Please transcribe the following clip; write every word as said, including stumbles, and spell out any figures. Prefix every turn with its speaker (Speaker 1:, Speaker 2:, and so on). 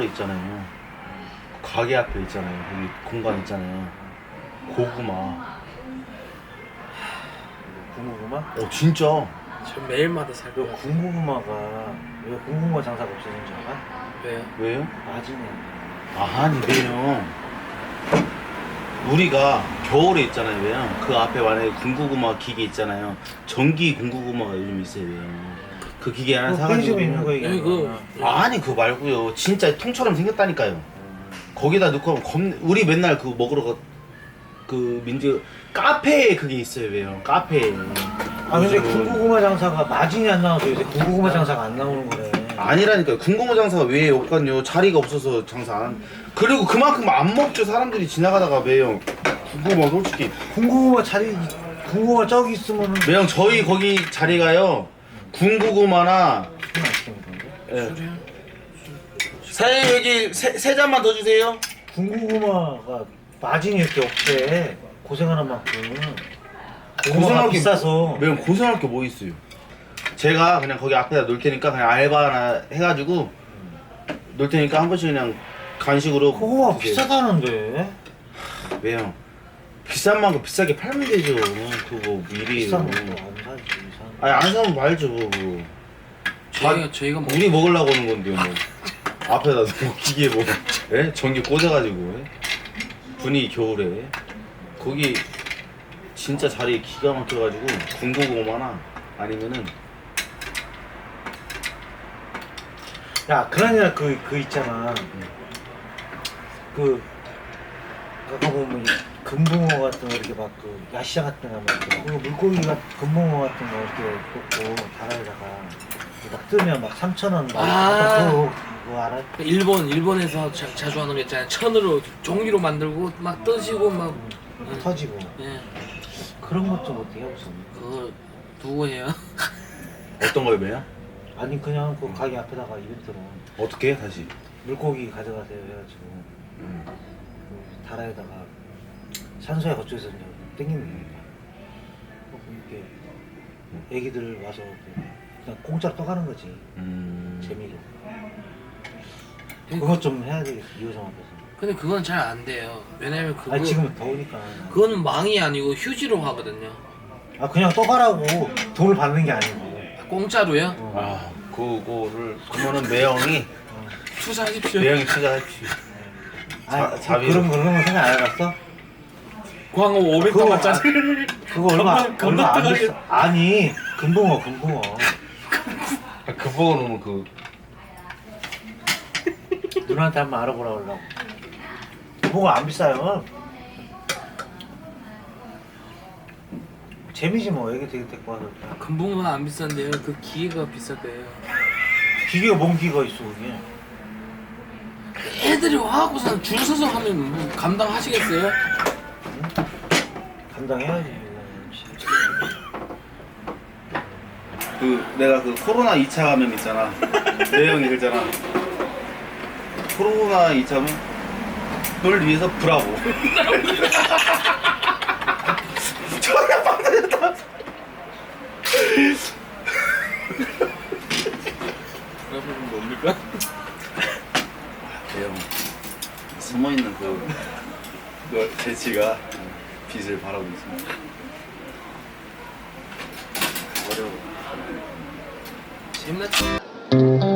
Speaker 1: 있잖아요. 가게 앞에 있잖아요. 거기 공간 있잖아요. 고구마.
Speaker 2: 군고구마?
Speaker 1: 어 진짜.
Speaker 3: 저 매일마다 살
Speaker 2: 그
Speaker 3: 거야.
Speaker 2: 군고구마가 왜 군고구마 장사가 없어진 줄 알아?
Speaker 3: 왜요?
Speaker 1: 왜요?
Speaker 2: 마진이
Speaker 1: 아니 왜요? 우리가 겨울에 있잖아요. 왜요? 그 앞에 만약에 군고구마 기계 있잖아요. 전기 군고구마가 요즘 있어요. 왜요? 그 기계 하나
Speaker 2: 그
Speaker 1: 사가지고.
Speaker 2: 편의점에 있는 거
Speaker 3: 예,
Speaker 2: 얘기하는
Speaker 3: 그
Speaker 2: 거야.
Speaker 1: 아니 그거 말고요. 진짜 통처럼 생겼다니까요. 거기다 넣고 하면 겁. 우리 맨날 그거 먹으러 가. 그 민주 카페에 그게 있어요. 왜요? 카페에.
Speaker 2: 아 근데
Speaker 1: 요즘은.
Speaker 2: 군고구마 장사가 마진이 안 나와서 요새 군고구마 장사가 안 나오는 거네.
Speaker 1: 아니라니까요. 군고구마 장사가 왜 없거든요. 자리가 없어서 장사 안. 그리고 그만큼 안 먹죠. 사람들이 지나가다가 매형 군고구마 솔직히.
Speaker 2: 군고구마 자리 군고구마 저기 있으면은
Speaker 1: 매형 저희 거기 자리가요. 군고구마나.
Speaker 2: 술 맛있겠는 건데?
Speaker 1: 예.
Speaker 3: 술이야?
Speaker 1: 사장님 여기 세, 세 잔만 더 주세요.
Speaker 2: 군고구마가 마진이 이렇게 없대. 고생하는 만큼. 고구마가
Speaker 1: 고생할 게
Speaker 2: 비싸서.
Speaker 1: 매형 고생할 게 뭐 있어요. 제가 그냥 거기 앞에다 놓을 테니까 그냥 알바 하나 해가지고 놓을 테니까 한 번씩 그냥 간식으로.
Speaker 2: 고구마
Speaker 1: 드세요.
Speaker 2: 비싸다는데.
Speaker 1: 매형 비싼 만큼 비싸게 팔면 되죠. 그거 미리.
Speaker 2: 비싼 것도 안 사지. 이상.
Speaker 1: 아니 안 사면 말죠. 그거.
Speaker 3: 저희가 저희가 뭐
Speaker 1: 우리 먹으려고 오는 건데요. 뭐. 앞에다 뭐 기계 뭐 예? 전기 꽂아가지고 예? 분위기 겨울에 거기 진짜 자리 기가 막혀가지고 군고구마나 아니면은
Speaker 2: 야, 그러냐 그, 그 있잖아. 그, 아까 보면 이 금붕어 같은 거 이렇게 막 그 야시장 같은 거 막, 그 물고기가 금붕어 같은 거 이렇게 꽂고 다라에다가 막 뜨면 막 삼천 원 막.
Speaker 3: 아.
Speaker 2: 그거, 그거 알아?
Speaker 3: 일본 일본에서 자, 자주 하는 거 있잖아요. 천으로 종이로 만들고 막 떠지고 막 응.
Speaker 2: 터지고.
Speaker 3: 예.
Speaker 2: 그런 것 좀 어떻게 해보세요?
Speaker 3: 그거 누구 해요?
Speaker 1: 어떤 걸 매요?
Speaker 2: 아니, 그냥 그 가게 앞에다가 이벤트로
Speaker 1: 어떻게 해 다시?
Speaker 2: 물고기 가져가세요 해가지고
Speaker 1: 음.
Speaker 2: 그 다라에다가 산소에 거쳐서 이제 땡기는 거니까. 이렇게 애기들 와서 그냥 공짜로 떠가는 거지.
Speaker 1: 음.
Speaker 2: 재미로. 그것 좀 해야 되겠어, 이호정 앞에서.
Speaker 3: 근데 그건 잘 안 돼요. 왜냐면 그거
Speaker 2: 아니, 지금 더우니까.
Speaker 3: 그거는 망이 아니고 휴지로 하거든요.
Speaker 2: 아, 그냥 떠가라고 돈을 받는 게 아니고.
Speaker 3: 공짜로요?
Speaker 2: 어.
Speaker 1: 아 그거를 그러면은 매형이
Speaker 3: 투자하십시오.
Speaker 1: 매형이 투자했지.
Speaker 2: 아,
Speaker 1: 자- 자비로.
Speaker 2: 그런, 그런 거 생각 안 해봤어?
Speaker 3: 광어 오백
Speaker 2: 그거
Speaker 3: 원짜리.
Speaker 2: 그거 얼마,
Speaker 3: 금방- 금방
Speaker 2: 얼마 안
Speaker 3: 떠가게.
Speaker 2: 됐어. 아니, 금붕어, 금붕어.
Speaker 1: 아, 그 보고는 그
Speaker 2: 누나한테 한번 알아보라 그러려고. 금붕어 안 비싸요. 재미지 뭐, 애기 되게 데리고 와서. 그냥.
Speaker 3: 금붕어는 안 비싼데요. 그 기계가 비싸대요.
Speaker 2: 기계가 뭔 기계가 있어, 그게.
Speaker 3: 애들이 와갖고서 줄 서서 하면 뭐 감당하시겠어요?
Speaker 2: 감당해야지.
Speaker 1: 그 내가 그 코로나 이 차 감염 있잖아. 매형이 그러잖아. 코로나 이 차 감염 널 위해서 브라보. 전혀 빵 터졌다.
Speaker 3: 여러분 뭡니까?
Speaker 1: 매형 숨어있는 그 널- 재치가 빛을 발하고 있습니다.
Speaker 2: 어려워.
Speaker 3: 재밌나?